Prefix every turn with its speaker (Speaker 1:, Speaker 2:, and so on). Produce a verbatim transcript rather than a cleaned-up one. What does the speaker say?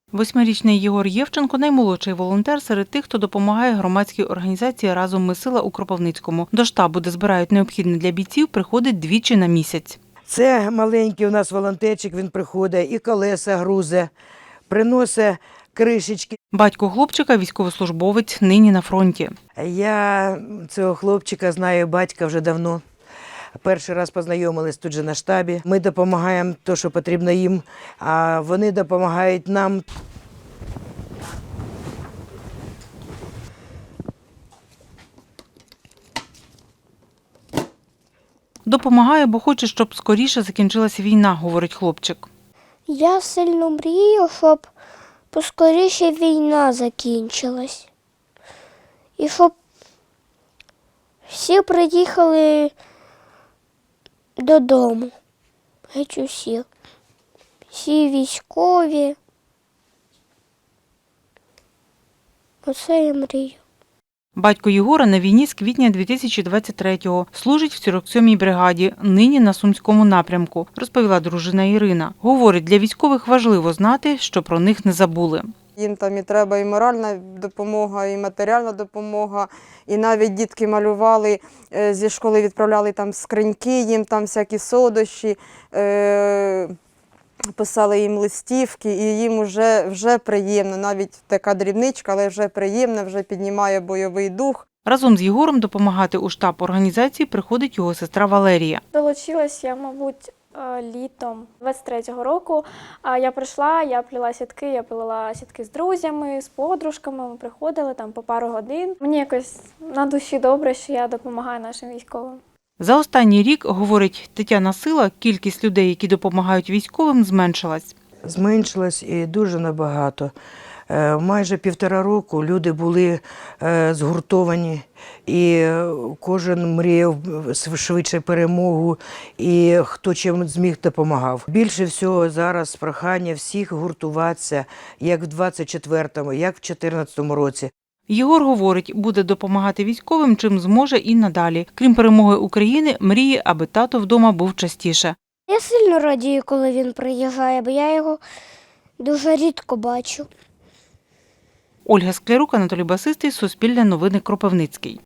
Speaker 1: Восьмирічний Єгор Євченко – наймолодший волонтер серед тих, хто допомагає громадській організації «Разом ми сила» у Кропивницькому. До штабу, де збирають необхідне для бійців, приходить двічі на місяць.
Speaker 2: Це маленький у нас волонтерчик, він приходить, і колеса грузе, приносить кришечки.
Speaker 1: Батько хлопчика – військовослужбовець, нині на фронті.
Speaker 2: Я цього хлопчика знаю батька вже давно. Перший раз познайомились тут же на штабі. Ми допомагаємо те, що потрібно їм, а вони допомагають нам.
Speaker 1: Допомагає, бо хоче, щоб скоріше закінчилася війна, говорить хлопчик.
Speaker 3: Я сильно мрію, щоб поскоріше війна закінчилась. І щоб всі приїхали додому. Геть усі. Всі військові. Оце я мрію.
Speaker 1: Батько Єгора на війні з квітня дві тисячі двадцять третього. Служить в сорок сьомій бригаді, нині на Сумському напрямку, розповіла дружина Ірина. Говорить, для військових важливо знати, що про них не забули.
Speaker 4: Їм там і треба і моральна допомога, і матеріальна допомога. І навіть дітки малювали, зі школи відправляли там скриньки, їм там всякі солодощі, е писали їм листівки, і їм вже, вже приємно. Навіть така дрібничка, але вже приємно, вже піднімає бойовий дух.
Speaker 1: Разом з Єгором допомагати у штаб організації приходить його сестра Валерія.
Speaker 5: Долучилась я, мабуть, літом двадцять третього року. Я прийшла, я плела сітки, я плела сітки з друзями, з подружками. Ми приходили там по пару годин. Мені якось на душі добре, що я допомагаю нашим військовим.
Speaker 1: За останній рік, говорить Тетяна Сила, кількість людей, які допомагають військовим, зменшилась.
Speaker 2: Зменшилось і дуже набагато. Майже півтора року люди були згуртовані, і кожен мріяв швидше перемогу, і хто чим зміг допомагав. Більше всього зараз прохання всіх гуртуватися, як в двадцять четвертому, як в чотирнадцятому році.
Speaker 1: Єгор говорить, буде допомагати військовим, чим зможе і надалі. Крім перемоги України, мріє, аби тато вдома був частіше.
Speaker 3: Я сильно радію, коли він приїжджає, бо я його дуже рідко бачу.
Speaker 1: Ольга Склярук, Анатолій Басистий, Суспільне новини, Кропивницький.